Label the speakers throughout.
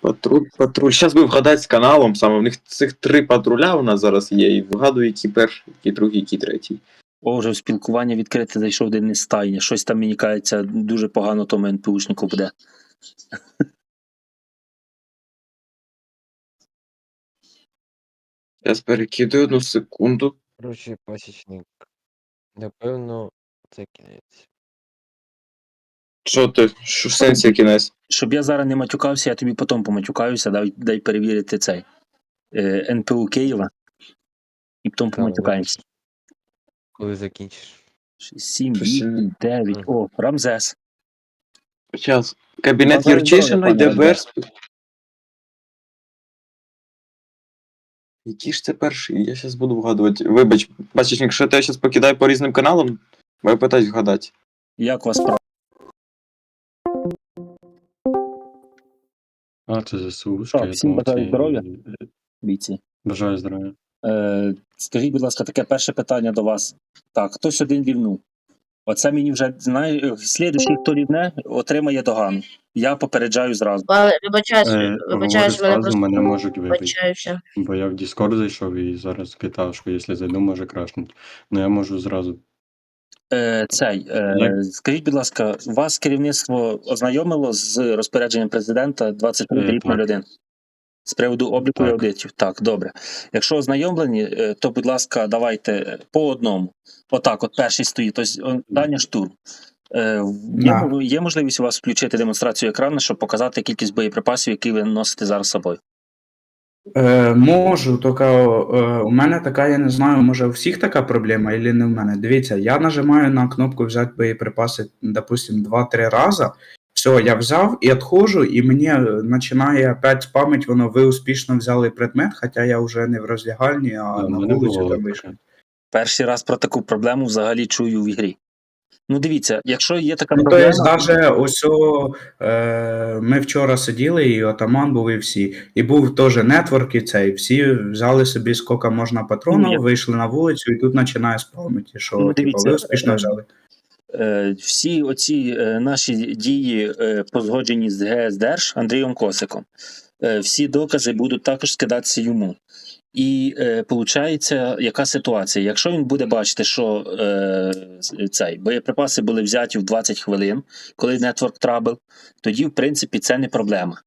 Speaker 1: Патруль. Зараз би вгадати з каналом саме. В них цих 3 патруля у нас зараз є, і вгадую, який перший, який другий, який третій.
Speaker 2: О, вже в спілкування відкрите зайшов один із стайні. Щось там, мені кажеться, дуже погано тому НПУшнику буде.
Speaker 1: Зараз перекидаю 1 секунду.
Speaker 3: Коротше, пасічник. Напевно, це кінець.
Speaker 1: Що ти? Що в сенсі кінець?
Speaker 2: Щоб я зараз не матюкався, я тобі потім поматюкаюся, дай перевірити цей НПУ Києва. І потім поматюкаємося.
Speaker 3: Коли закінчиш.
Speaker 2: 7, 8, 9. О, Рамзес.
Speaker 1: Зараз. Кабінет
Speaker 2: Бажаю
Speaker 1: Юрчишина,
Speaker 2: здоров'я, пане
Speaker 1: ДБР. Який ж це перший? Я зараз буду вгадувати. Вибач, бачиш, якщо я тебе зараз покидаю по різним каналам, маю питати вгадати.
Speaker 2: Як вас справа?
Speaker 4: Це ЗСУ.
Speaker 2: Так, всім бажаю здоров'я, бійці.
Speaker 4: Бажаю здоров'я.
Speaker 2: Скажіть, будь ласка, таке перше питання до вас. Так, хтось один рівнув. Оце мені вже, слідуючий, хто рівне, отримає догану. Я попереджаю зразу.
Speaker 3: Вибачаюсь,
Speaker 4: мене можуть вибити.
Speaker 3: вибачаюся.
Speaker 4: Бо я в Discord зайшов і зараз китав, що якщо зайду, може крашнуть. Ну я можу зразу.
Speaker 2: Скажіть, будь ласка, вас керівництво ознайомило з розпорядженням президента 23/01 з приводу обліку і
Speaker 4: Так.
Speaker 2: аудитів? Так, добре. Якщо ознайомлені, то, будь ласка, давайте по одному. Отак, от перший стоїть. Тобто, Даня Штурм. Є можливість у вас включити демонстрацію екрану, щоб показати кількість боєприпасів, які ви носите зараз з собою?
Speaker 5: Можу, тільки у мене така, я не знаю, може у всіх така проблема, або не в мене. Дивіться, я нажимаю на кнопку взяти боєприпаси, допустим, 2-3 рази. Все, я взяв і відходжу, і мені починає опять спамить, воно, ви успішно взяли предмет, хоча я вже не в роздягальні, а на вулицю там вийшов.
Speaker 2: Перший раз про таку проблему взагалі чую в ігрі. Ну, дивіться, якщо є така
Speaker 5: Ну, то
Speaker 2: проблема...
Speaker 5: є, навіть ось ми вчора сиділи, і Отаман був, і всі. І був теж нетворк, і цей. Всі взяли собі, скільки можна патронів, вийшли на вулицю, і тут починає спамити, що типу, ви успішно взяли.
Speaker 2: Всі оці наші дії, позгоджені з ГСДРЖ Андрієм Косиком, всі докази будуть також скидатися йому. І виходить, яка ситуація? Якщо він буде бачити, що боєприпаси були взяті в 20 хвилин, коли Network Trouble, тоді, в принципі, це не проблема.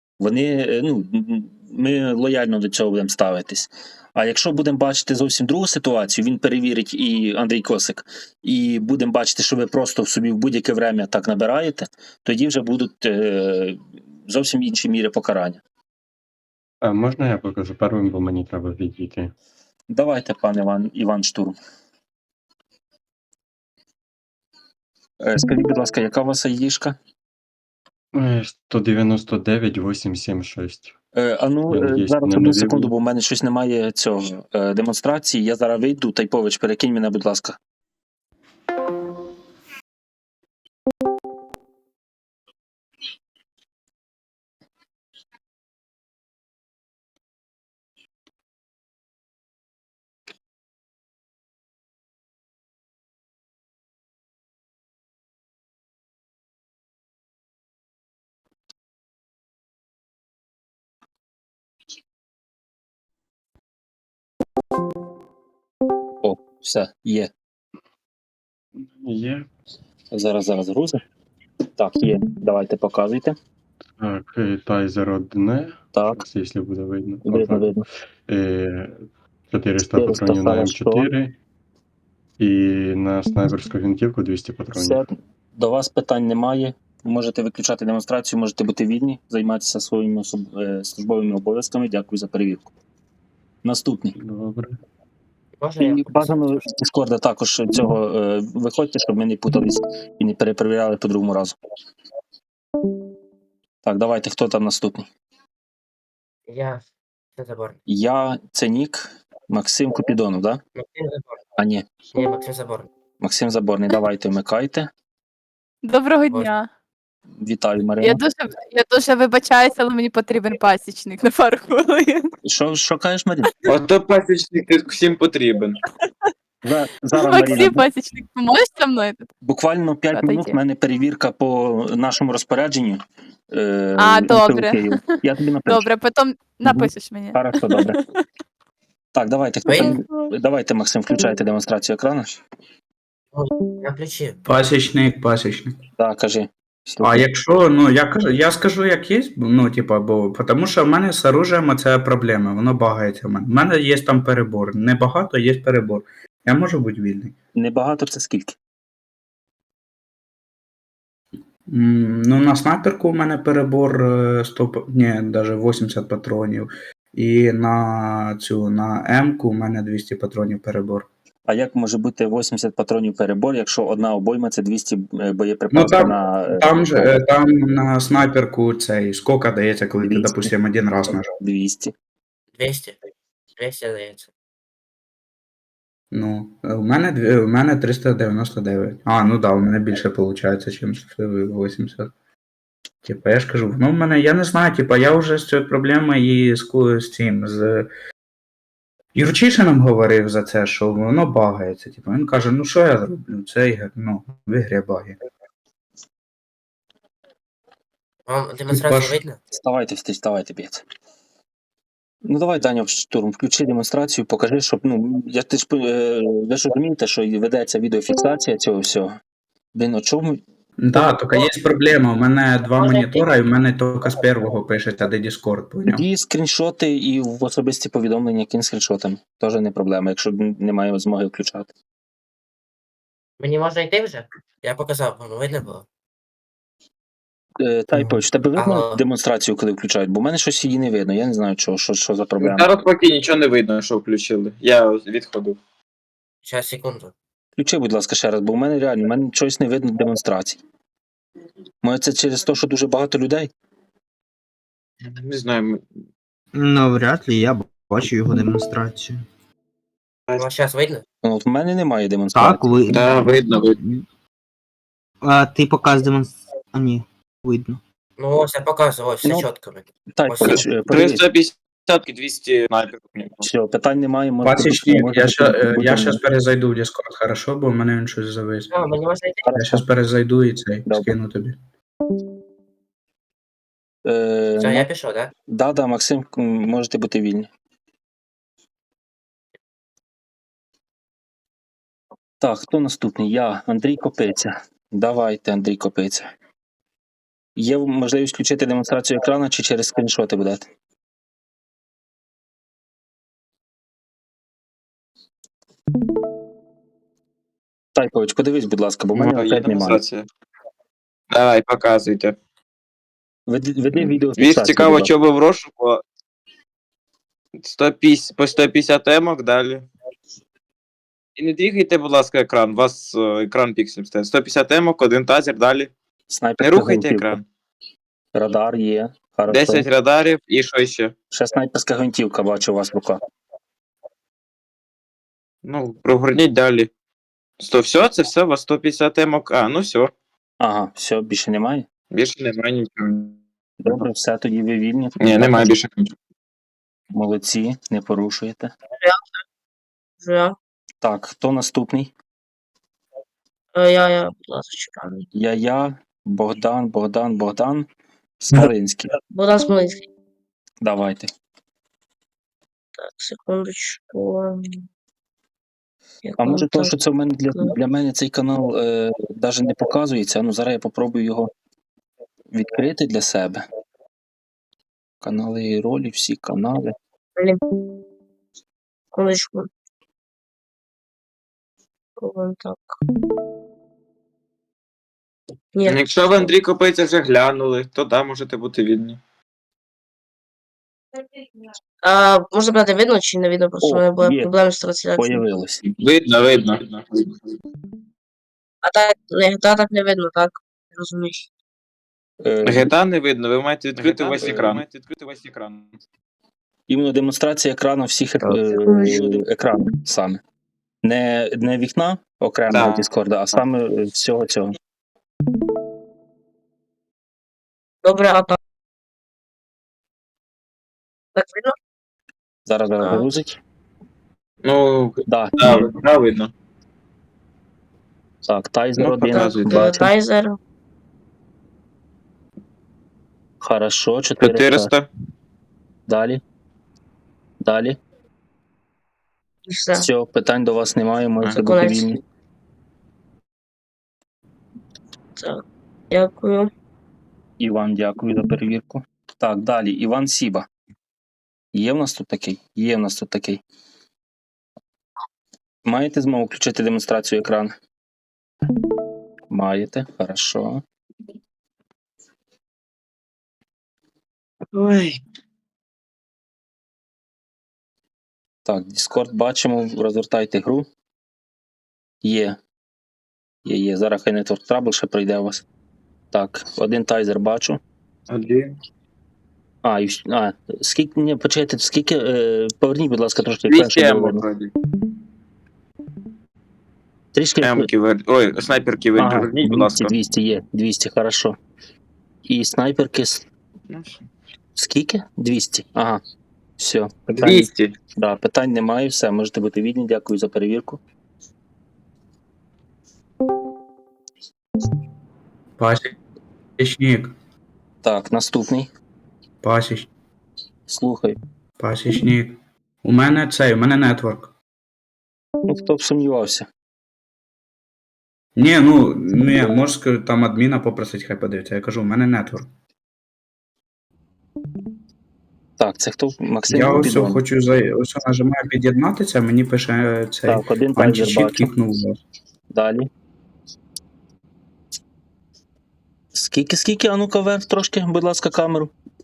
Speaker 2: Ми лояльно до цього будемо ставитись. А якщо будемо бачити зовсім другу ситуацію, він перевірить і Андрій Косик, і будемо бачити, що ви просто в собі в будь-яке время так набираєте, тоді вже будуть зовсім інші міри покарання.
Speaker 4: Можна я покажу первим, бо мені треба відійти?
Speaker 2: Давайте, пан Іван Штурм. Скажіть, будь ласка, яка у вас айдішка?
Speaker 4: 199-876.
Speaker 2: Зараз одну секунду, бо в мене щось немає цього демонстрації. Я зараз вийду. Тайпович, перекинь мене, будь ласка. О, все, є.
Speaker 4: Є.
Speaker 2: Зараз грузи. Так, є. Давайте показуйте.
Speaker 4: Так, тайзер одне.
Speaker 2: Так.
Speaker 4: Якщо буде видно.
Speaker 2: Видно.
Speaker 4: 400 патронів на М4. І на снайперську гвинтівку 200 патронів.
Speaker 2: Все. До вас питань немає. Можете виключати демонстрацію, можете бути вільні, займатися своїми службовими обов'язками. Дякую за перевірку. Наступний.
Speaker 4: Добре.
Speaker 2: І бажано з Дискорда також цього виходьте, щоб ми не путались і не перепровіряли по другому разу. Так, давайте, хто там наступний? Це Нік, Максим Купідонов, так? Да?
Speaker 6: Максим Заборний.
Speaker 2: А ні.
Speaker 6: Ні, Максим Заборний.
Speaker 2: Максим Заборний, давайте вмикайте.
Speaker 7: Доброго дня.
Speaker 2: Вітаю, Марина.
Speaker 7: Я дуже вибачаюся, але мені потрібен пасічник на пару хвилин.
Speaker 2: Що кажеш, Марина?
Speaker 1: Ото пасічник всім потрібен.
Speaker 2: Зараз, Маріна,
Speaker 7: Максим Пасічник, поможеш зі мною тут?
Speaker 2: буквально 5
Speaker 7: Отойди.
Speaker 2: минут в мене перевірка по нашому розпорядженню.
Speaker 7: Добре.
Speaker 2: Києву. Я тобі напишу.
Speaker 7: Добре, потім напишеш мені.
Speaker 2: Хорошо, добре. Так, давайте, давайте, Максим, включайте демонстрацію екрану.
Speaker 6: Я включив.
Speaker 5: Пасічник.
Speaker 2: Так, кажи.
Speaker 5: А якщо, ну я скажу, як є, ну, типа, бо тому що в мене з оружием це проблема, воно багається в мене. У мене є там перебор. Небагато, є перебор. Я можу бути вільний.
Speaker 2: Небагато це скільки?
Speaker 5: Ну, на снайперку у мене перебор 100, ні, навіть 80 патронів. І на М-ку у мене 200 патронів перебор.
Speaker 2: А як може бути 80 патронів перебор, якщо одна обойма це 200
Speaker 5: Ну,
Speaker 2: боєприпасів на...
Speaker 5: там на снайперку цей скока дається, коли ти,
Speaker 2: 200.
Speaker 5: допустим, один раз нажав.
Speaker 2: 200.
Speaker 6: 200. 200 дається.
Speaker 5: Ну, у мене 399. Ну да, у мене більше виходить, ніж 80. Типа, я ж кажу, ну в мене, я не знаю, типа, я вже з цією проблемою і з цим, з Юрчишином говорив за це, що воно багається. Типа, він каже, ну що я зроблю? Це, ну, в ігрі баги.
Speaker 6: Вам демонстрацію
Speaker 5: Паш.
Speaker 6: видно?
Speaker 2: Вставайте, б'ється. Ну давай, Даня, штурм, включи демонстрацію, покажи, щоб, ну, ви ж розумієте, що ведеться відеофіксація цього всього. Блін, о чому?
Speaker 5: Да, тільки є проблема, у мене два монітора, і в мене тільки з першого пишеться, де Discord, поняв?
Speaker 2: Тоді скріншоти і в особисті повідомлення кінь скріншотами. Теж не проблема, якщо немає змоги включати.
Speaker 6: Мені можна йти вже? Я показав, вам видно було?
Speaker 2: Тайпович, в тебе видно
Speaker 6: Алло.
Speaker 2: демонстрацію, коли включають? Бо в мене щось її не видно, я не знаю, що за проблема.
Speaker 1: Зараз поки нічого не видно, що включили. Я відходив.
Speaker 6: Зараз, секунду.
Speaker 2: Включи, будь ласка, ще раз, бо в мене реально, в мене щось не видно демонстрацій. Може це через те, що дуже багато людей?
Speaker 1: Не знаю.
Speaker 8: Ну, вряд ли, я бачу його демонстрацію.
Speaker 6: Вам зараз видно?
Speaker 2: Ну, от в мене немає демонстрації.
Speaker 8: Так, ви.
Speaker 1: Да, видно.
Speaker 8: А ти показ демонстрації. А ні, видно.
Speaker 6: Ну ось я показував, ось все
Speaker 2: Ну,
Speaker 6: чітко.
Speaker 2: Тайпович, подивись.
Speaker 1: 350 і 200 снайперів.
Speaker 2: Все, питань немає. можете-
Speaker 5: Пасічник,
Speaker 2: можете
Speaker 5: я
Speaker 2: будемо-
Speaker 5: зараз перезайду в Discord, хорошо, бо в мене він щось завис.
Speaker 6: А, мені можна йти?
Speaker 5: Я зараз перезайду і цей,
Speaker 2: Добре.
Speaker 5: скину тобі.
Speaker 6: Все, я пішов, так?
Speaker 2: Да, Максим, можете бути вільні. Так, хто наступний? Я, Андрій Копиця. Давайте, Андрій Копиця. Є можливість включити демонстрацію екрану чи через скріншоти будете? Тайпович, подивись, будь ласка, бо в мене
Speaker 1: Є
Speaker 2: опять немає.
Speaker 1: демонстрація. Давай, показуйте.
Speaker 2: Веди відео.
Speaker 1: Віж цікаво, що ви в розшуку. 150, по 150 емок далі. І не двігайте, будь ласка, екран. У вас екран піксель стає. 150 емок, один тазер, далі. Не рухайте екран.
Speaker 2: Радар є. Хорошо.
Speaker 1: 10 радарів і що ще?
Speaker 2: Ще снайперська гвинтівка, бачу у вас в руках.
Speaker 1: Ну, прогорніть далі. Все, це все, у вас 150 емок. Ну все.
Speaker 2: Ага, все, більше немає?
Speaker 1: Більше немає нічого.
Speaker 2: Добре, все, тоді ви вільні.
Speaker 1: Ні, немає більше нічого.
Speaker 2: Молодці, не порушуєте.
Speaker 3: Я,
Speaker 2: Так, хто наступний?
Speaker 3: будь ласка, чекаю.
Speaker 2: Я, Богдан, Смолинський.
Speaker 3: Богдан Смолинський.
Speaker 2: Давайте.
Speaker 3: Так, секундочку.
Speaker 2: А може то, що це в мене для мене цей канал навіть не показується. Ну, зараз я попробую його відкрити для себе. Канали і ролі, всі канали.
Speaker 3: Секундочку. Вон так. Ні,
Speaker 1: Якщо ви Андрій Копиця вже глянули, то да, можете бути вільні.
Speaker 3: можна брати видно чи не видно, просто
Speaker 2: О,
Speaker 3: у мене були
Speaker 2: є.
Speaker 3: проблеми з трансляцією.
Speaker 2: Появилось.
Speaker 1: Видно.
Speaker 3: А так не видно, так? Розумієш.
Speaker 1: GTA не видно, ви маєте відкрити весь екран.
Speaker 2: Іменно демонстрація екрану всіх екранів саме. Не вікна окремого
Speaker 1: Да.
Speaker 2: Discord, а саме всього цього.
Speaker 3: Добре, а так. Так видно?
Speaker 2: Зараз
Speaker 3: А.
Speaker 2: загрузить.
Speaker 1: Ну,
Speaker 2: Да,
Speaker 1: да, видно.
Speaker 2: Так, тайзер
Speaker 1: Ну,
Speaker 2: один.
Speaker 1: показуйте.
Speaker 2: Бачу.
Speaker 3: Тайзер.
Speaker 2: Хорошо, 400.
Speaker 1: 400.
Speaker 2: Далі. Далі.
Speaker 3: І все.
Speaker 2: Все, питань до вас немає, можете
Speaker 3: Це
Speaker 2: бути
Speaker 3: конець.
Speaker 2: вільні.
Speaker 3: Так. Дякую.
Speaker 2: Іван, дякую за перевірку. Так, далі. Іван Сіба. Є в нас тут такий? Є в нас тут такий. Маєте змогу включити демонстрацію екрану? Маєте, хорошо.
Speaker 1: Ой.
Speaker 2: Так, Discord бачимо, розвертайте гру. Є. Є. Зараз хай Network Trouble ще пройде у вас. Так, один тайзер бачу.
Speaker 1: 1.
Speaker 2: Скільки, ні, почекайте, скільки, поверніть, будь ласка, трошки
Speaker 1: 200
Speaker 2: екран, щоб
Speaker 1: емок
Speaker 2: було.
Speaker 1: вроді.
Speaker 2: Трішки,
Speaker 1: Емки ой, снайперки верніть, будь ласка.
Speaker 2: 200 є, 200, хорошо. І снайперки,
Speaker 1: Ну, все.
Speaker 2: скільки? 200, ага. Все, питань,
Speaker 1: 200.
Speaker 2: да, питань немає, все, можете бути вільні, дякую за перевірку.
Speaker 5: Пасічник.
Speaker 2: Так, наступний, слухай.
Speaker 5: Пасічник. У мене нетворк.
Speaker 2: Ну, хто б сумнівався.
Speaker 5: Ні, можеш сказати, там адміна попросить, хай подивиться. Я кажу, у мене нетворк.
Speaker 2: Так, це хто? Максим
Speaker 5: Я ось
Speaker 2: Бідон.
Speaker 5: хочу ось нажимаю під'єднатися, мені пише цей
Speaker 2: Так, один тайзер
Speaker 5: античіт
Speaker 2: бачу.
Speaker 5: кікнув вас.
Speaker 2: Далі. Скільки? А ну-ка вверх трошки, будь ласка, камеру.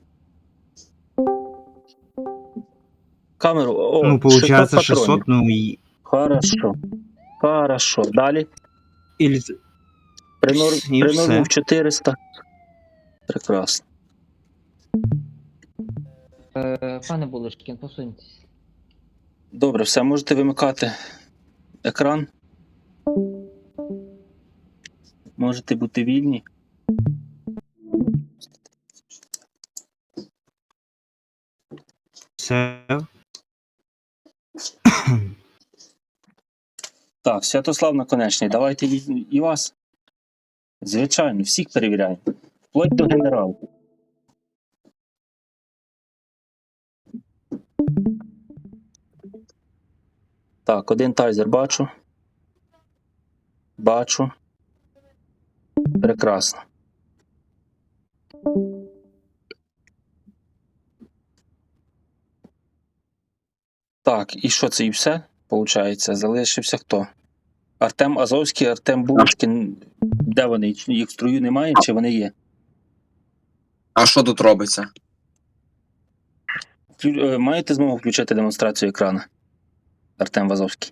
Speaker 2: Камеру. О,
Speaker 8: Ну, получается
Speaker 2: 600 патронів.
Speaker 8: 600, ну и...
Speaker 2: Хорошо. Далі.
Speaker 8: Или... І
Speaker 2: Принормив
Speaker 8: все.
Speaker 2: 400. Прекрасно.
Speaker 9: Пане Булочкін, посуньтесь.
Speaker 2: Добре, все, можете вимикати екран. Можете бути вільні.
Speaker 8: Все.
Speaker 2: Так, Святослав Наконечний, давайте і вас. Звичайно, всіх перевіряємо. Вплоть до генерала. Так, один тайзер бачу. Бачу. Прекрасно. Так, і що це і все? Получається, залишився хто? Артем Азовський, Артем Булочкін. Де вони? Їх в строю немає, чи вони є?
Speaker 1: А що тут робиться?
Speaker 2: Маєте змогу включити демонстрацію екрану? Артем Вазовський.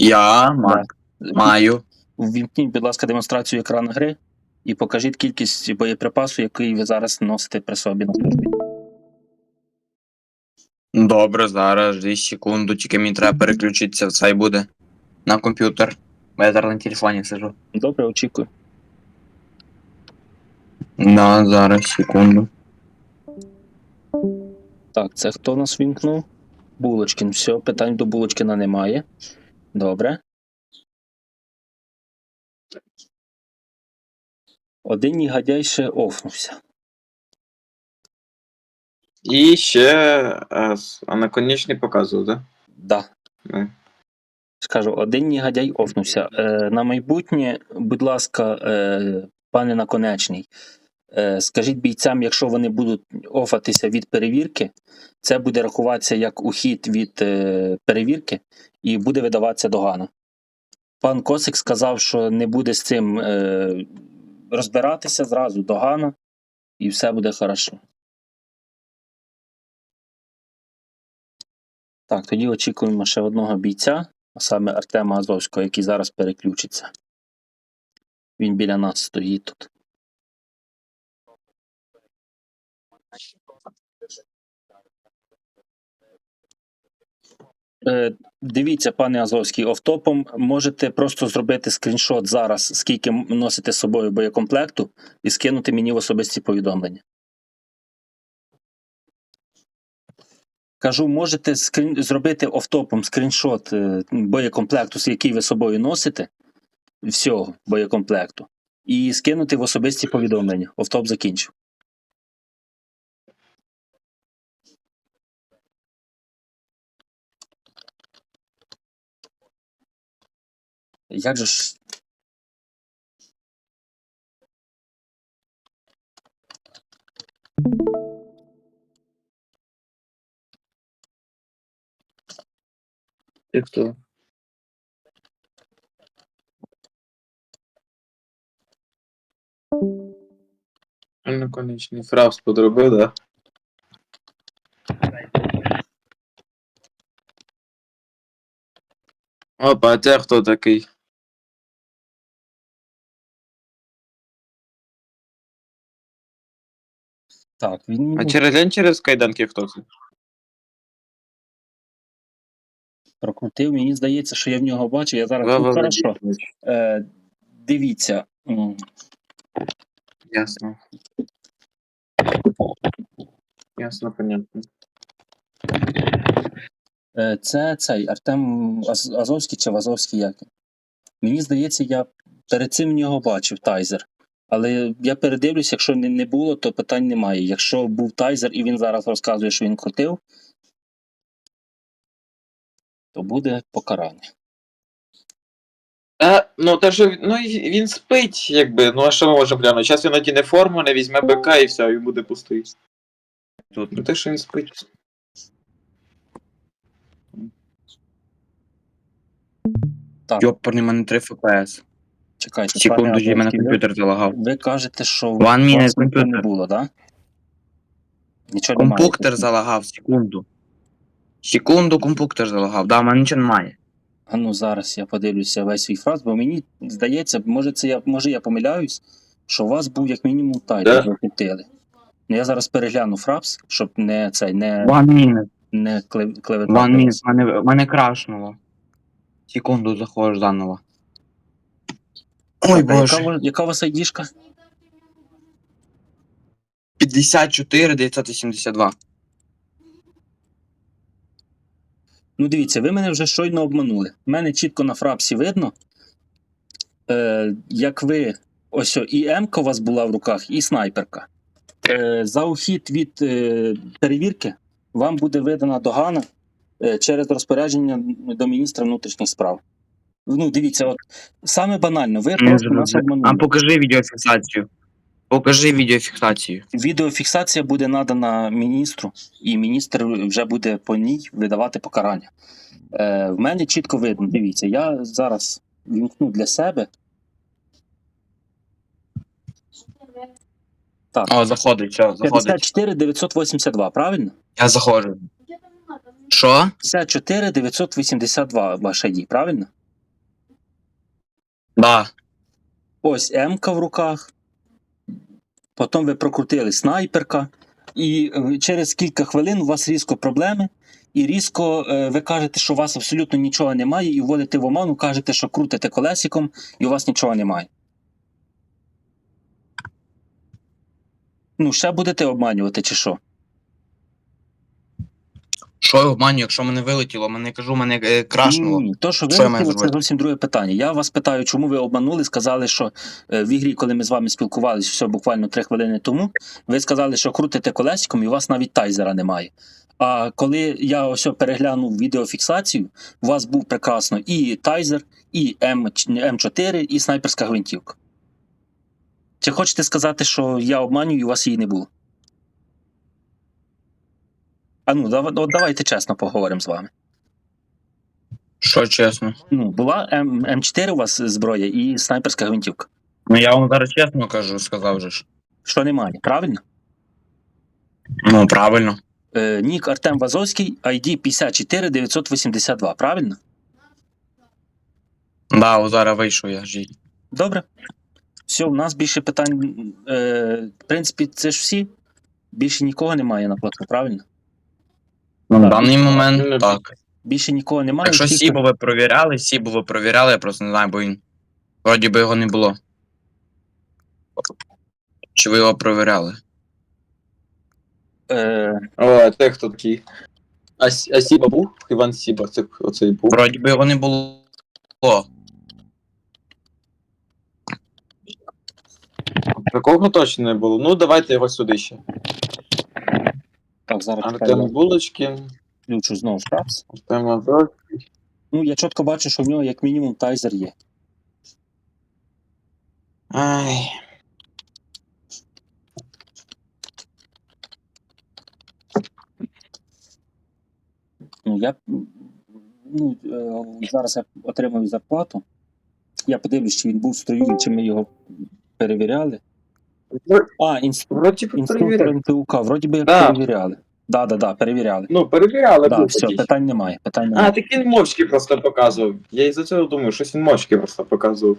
Speaker 1: Маю.
Speaker 2: Ввімкніть, будь ласка, демонстрацію екрану гри і покажіть кількість боєприпасу, який ви зараз носите при собі на службі.
Speaker 1: Добре, зараз 2 секунду, тільки мені треба переключитися, це й буде на комп'ютер. Бо я зараз на телефоні сижу.
Speaker 2: Добре, очікую.
Speaker 1: Да, зараз, секунду.
Speaker 2: Так, це хто нас вімкнув? Булочкін. Все, питань до Булочкіна немає. Добре. Один негодяй ще офнувся.
Speaker 1: І ще наконечний показував, так?
Speaker 2: Да.
Speaker 1: Да?
Speaker 2: Скажу, один негодяй офнувся. На майбутнє, будь ласка, пане Наконечний, скажіть бійцям, якщо вони будуть офатися від перевірки, це буде рахуватися як ухід від перевірки і буде видаватися догана. Пан Косик сказав, що не буде з цим розбиратися, зразу догана, і все буде хорошо. Так, тоді очікуємо ще одного бійця, а саме Артема Азовського, який зараз переключиться. Він біля нас стоїть тут. Дивіться, пане Азовський, офтопом можете просто зробити скріншот зараз, скільки носите з собою боєкомплекту, і скинути мені в особисті повідомлення. Кажу, можете зробити офтопом скріншот боєкомплекту, який ви з собою носите, всього боєкомплекту і скинути в особисті повідомлення. Офтоп закінчив. Як же ж.
Speaker 1: Ти хто? Конечний фрапс подробив, да? Опа, а це хто такий?
Speaker 2: Так, він
Speaker 1: А через кайданки хто це?
Speaker 2: прокрутив. Мені здається, що я в нього бачу. Я зараз.
Speaker 1: Вова
Speaker 2: Хорошо.
Speaker 1: Владимирович.
Speaker 2: Дивіться.
Speaker 1: Ясно. Ясно, понятно.
Speaker 2: Це цей Артем Азовський чи Вазовський як? Мені здається, я перед цим в нього бачив тайзер. Але я передивлюсь, якщо не було, то питань немає. Якщо був тайзер і він зараз розказує, що він крутив, то буде покарання.
Speaker 1: Ну, те, що ну, він спить, якби. Ну, а що ми можемо глянути? Зараз він надіне форму, не візьме БК і все, і буде пустий. Тут, ну те, що він спить.
Speaker 2: Так,
Speaker 10: Йопарний, в мене 3 ФПС.
Speaker 2: чекайте.
Speaker 10: Секунду,
Speaker 2: пане
Speaker 10: в мене
Speaker 2: Азовський,
Speaker 10: комп'ютер залагав.
Speaker 2: ви кажете, що у
Speaker 10: Ван мінус
Speaker 2: вас нічого не
Speaker 10: комп'ютер.
Speaker 2: було, так? Да? Нічого немає.
Speaker 10: Компуктор залагав, секунду. Секунду, компуктор залагав. Да, в мене нічого немає.
Speaker 2: А ну зараз я подивлюся весь свій фраз, бо мені здається, може я помиляюсь, що у вас був як мінімум тайзер закрутили. Ну я зараз перегляну фраз, щоб не цей
Speaker 10: Ван мінус.
Speaker 2: не клеветати.
Speaker 10: Ван мінус, мене крашнуло. Секунду, заходиш заново. Ой, боже.
Speaker 2: Яка у вас айдішка?
Speaker 10: 54 982.
Speaker 2: Ну дивіться, ви мене вже щойно обманули. У мене чітко на фрапсі видно, як ви, ось і М-ка у вас була в руках, і снайперка. За ухід від перевірки вам буде видана догана через розпорядження до міністра внутрішніх справ. Ну, дивіться, от саме банально, ви просто нас обманули.
Speaker 10: А покажи відеофіксацію. Покажи відеофіксацію.
Speaker 2: Відеофіксація буде надана міністру, і міністр вже буде по ній видавати покарання. В мене чітко видно, дивіться, я зараз вімкну для себе. Так,
Speaker 10: О, заходить, все, заходить.
Speaker 2: 54 982, правильно?
Speaker 10: Я заходжу. Що?
Speaker 2: 54 982 ваш ID, правильно?
Speaker 10: Да.
Speaker 2: Ось М-ка в руках. Потім ви прокрутили снайперка. І через кілька хвилин у вас різко проблеми. І різко ви кажете, що у вас абсолютно нічого немає, і вводите в оману, кажете, що крутите колесиком, і у вас нічого немає. Ну, ще будете обманювати, чи що?
Speaker 10: Що я обманю, якщо мене вилетіло? Мене кажу, мене крашнуло.
Speaker 2: Ні, то, що ви
Speaker 10: Що я маю
Speaker 2: вилетіло, це
Speaker 10: зробити?
Speaker 2: зовсім друге питання. Я вас питаю, чому ви обманули, сказали, що в ігрі, коли ми з вами спілкувалися, все буквально 3 хвилини тому, ви сказали, що крутите колесиком і у вас навіть тайзера немає. А коли я ось переглянув відеофіксацію, у вас був прекрасно і тайзер, і М4, і снайперська гвинтівка. Чи хочете сказати, що я обманюю і у вас її не було? А ну, давайте чесно поговоримо з вами.
Speaker 10: Що чесно?
Speaker 2: Ну, була М4 у вас зброя і снайперська гвинтівка.
Speaker 10: Ну я вам зараз чесно кажу, сказав же ж.
Speaker 2: Що немає, правильно?
Speaker 10: Ну, правильно.
Speaker 2: Нік Артем Вазовський, ID 54 982, правильно?
Speaker 10: Да, о, зараз вийшов я ж.
Speaker 2: Добре. Все, у нас більше питань. В принципі, це ж всі. Більше нікого немає на плату, правильно?
Speaker 10: На
Speaker 2: Так.
Speaker 10: даний момент так.
Speaker 2: Більше нікого немає.
Speaker 10: Якщо
Speaker 2: всі,
Speaker 10: Сібо ви провіряли, я просто не знаю, бо він. Вроді би його не було. Чи ви його провіряли?
Speaker 1: О, це хто такий? А Сіба був? Іван Сіба, це оцей був.
Speaker 10: Вроді би його не було.
Speaker 1: Такого точно не було. Ну, давайте його сюди ще.
Speaker 2: Так, зараз
Speaker 1: Артем
Speaker 2: чекаю,
Speaker 1: Булочкин,
Speaker 2: включу знову шапс.
Speaker 1: Артем Азов.
Speaker 2: Ну, я чітко бачу, що в нього як мінімум тайзер є.
Speaker 1: Ай.
Speaker 2: Ну, зараз я отримую зарплату. Я подивлюсь, чи він був в строю, і чи ми його перевіряли.
Speaker 1: Вроді
Speaker 2: Інструктор
Speaker 1: перевіряли.
Speaker 2: НПУК, вроді би як
Speaker 1: Да.
Speaker 2: перевіряли. Да, перевіряли.
Speaker 1: Ну, перевіряли.
Speaker 2: Да,
Speaker 1: був
Speaker 2: все,
Speaker 1: такий.
Speaker 2: питань немає.
Speaker 1: А, так він мовчки просто показував. Я із-за цього думаю, щось він мовчки просто показував.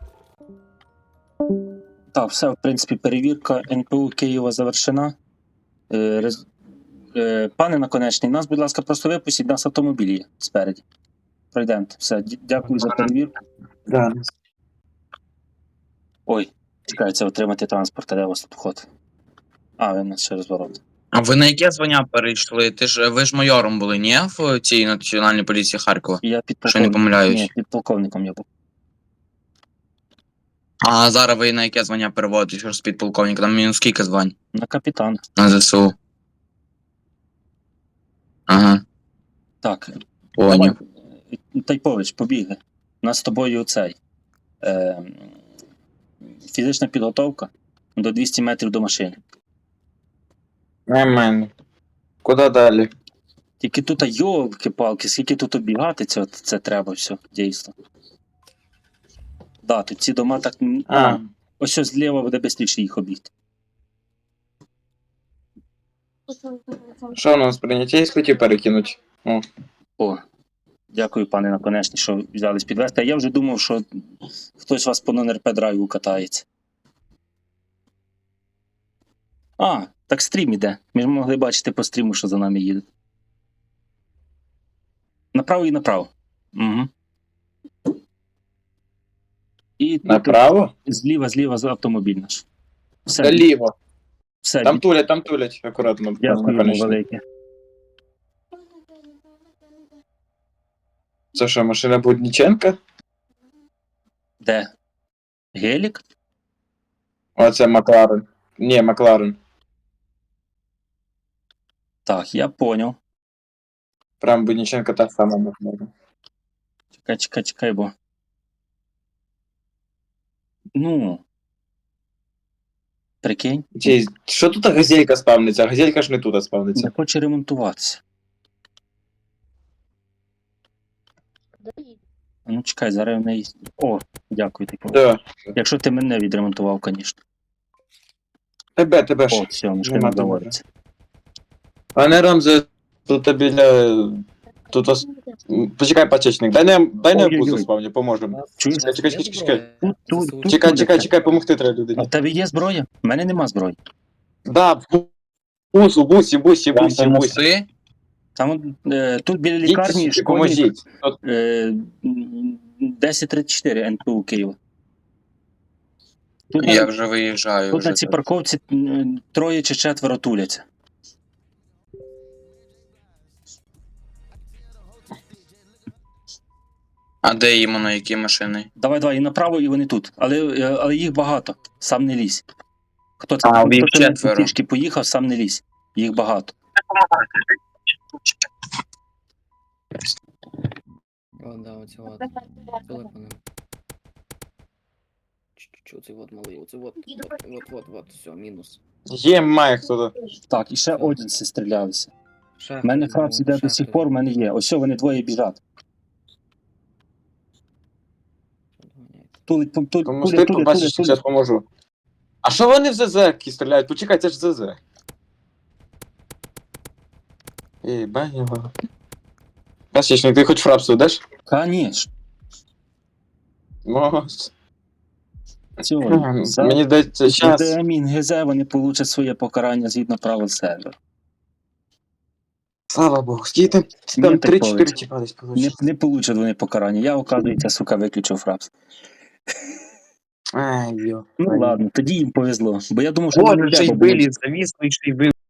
Speaker 2: Так, все, в принципі, перевірка НПУ Києва завершена. Пане Наконечний, нас, будь ласка, просто випустіть, нас автомобіль є спереді. Пройдемо. Все, дякую за перевірку.
Speaker 1: Да.
Speaker 2: Ой, чекається отримати транспорт, а де у вас тут вход? А, ви нас через ворота.
Speaker 10: А ви на яке звання перейшли? Ви ж майором були, ні? В цій національній поліції Харкова?
Speaker 2: Я
Speaker 10: Що не
Speaker 2: підполковник.
Speaker 10: помиляюсь.
Speaker 2: Ні, підполковником я був.
Speaker 10: А зараз ви на яке звання переводите, що ж з підполковника? Там мінус скільки звань?
Speaker 2: На капітана.
Speaker 10: На ЗСУ. Ага,
Speaker 2: Так,
Speaker 10: поняв.
Speaker 2: Тайпович, побігли. У нас з тобою цей. Фізична підготовка до 200 метрів до машини.
Speaker 1: Нормально. Куди далі?
Speaker 2: Тільки тут, йолки-палки, скільки тут обігати, це треба все, дійсно. Да, тут ці дома так. Ось зліва буде швидше їх обігти.
Speaker 1: Що у нас прийняття із хотів перекинути?
Speaker 2: О, дякую, пане Наконечний, що взялись підвести. А я вже думав, що хтось вас по нон-РП драйву катається. А, так стрім іде. Ми ж могли бачити по стріму, що за нами їде. Направо і направо. Угу. І тут
Speaker 1: Направо?
Speaker 2: зліва за автомобіль наш. Все,
Speaker 1: Наліво.
Speaker 2: все.
Speaker 1: Там тулять, акуратно.
Speaker 2: Дякуємо
Speaker 1: Наконечно.
Speaker 2: велике.
Speaker 1: Це що, машина Будніченка?
Speaker 2: Де? Гелік?
Speaker 1: Оце Макларен. Ні, Макларен.
Speaker 2: Так, я поняв.
Speaker 1: Прям Будніченка та сама Макларен.
Speaker 2: Чекай, бо. Ну. Прикинь,
Speaker 1: Що тут газелька спавниться? Газелька ж не тут спавниться.
Speaker 2: не хоче ремонтуватися. Ну, чекай, зараз в неї. О, дякую, типу.
Speaker 1: Да.
Speaker 2: Якщо ти мене відремонтував, звісно.
Speaker 1: Тебе
Speaker 2: О,
Speaker 1: ж.
Speaker 2: все, мішки
Speaker 1: Нема
Speaker 2: не доводиться.
Speaker 1: Пане Рамзе, тут біля... Тут ос... Почекай, пачечник, дай не
Speaker 2: Ой-ой-ой.
Speaker 1: бузу спавні, поможемо.
Speaker 2: Чуєш?
Speaker 1: Чекай.
Speaker 2: Тут
Speaker 1: Чекай, помогти треба
Speaker 2: А
Speaker 1: людині.
Speaker 2: в тебе є зброя? У мене нема зброї.
Speaker 1: Да, в бусі.
Speaker 10: Ти?
Speaker 2: Там тут біля лікарні
Speaker 1: Їдьте,
Speaker 2: школьник
Speaker 1: поможіть.
Speaker 2: 1034 НПУ Києва. Тут,
Speaker 10: Я вже виїжджаю.
Speaker 2: тут
Speaker 10: вже
Speaker 2: на цій
Speaker 10: так.
Speaker 2: парковці 3 чи 4 туляться.
Speaker 10: А де іменно, які машини?
Speaker 2: Давай, і направо, і вони тут. Але їх багато. Сам не лізь. Хто це?
Speaker 10: А, їх
Speaker 2: Хто це
Speaker 10: 4.
Speaker 2: пішки поїхав, сам не лізь. Їх багато.
Speaker 9: О, да, оце от. Телефони. Оце от малий, оце от, все, мінус.
Speaker 1: Є, має хто-то.
Speaker 2: Так, і ще одінці стрілялися. У мене фракція йде до сих пор, у мене є. Ось вони двоє біжать. Тулить.
Speaker 1: Помогти, побачиш, зараз поможу. А що вони в ЗЗ стріляють? Почекай, це ж ЗЗ. Ей, баню. Пасічник, ти хоч фрапсу даш?
Speaker 2: Конечно.
Speaker 1: Може.
Speaker 2: Цього.
Speaker 1: Мені здається, час.
Speaker 2: Амін ГЗ, вони получать своє покарання згідно правил сервера.
Speaker 1: Слава Богу, скільки там
Speaker 2: Ні,
Speaker 1: 3-4
Speaker 2: так
Speaker 1: тіпа десь получить.
Speaker 2: Не получать вони покарання. Я, оказується, сука, виключив фрапс.
Speaker 1: Ай, йо.
Speaker 2: Ну ладно, тоді їм повезло. Бо я думав, що
Speaker 10: Боже,
Speaker 2: вони
Speaker 10: ще й
Speaker 2: тебе будуть.
Speaker 10: виліз, завіс, і ще й виліз.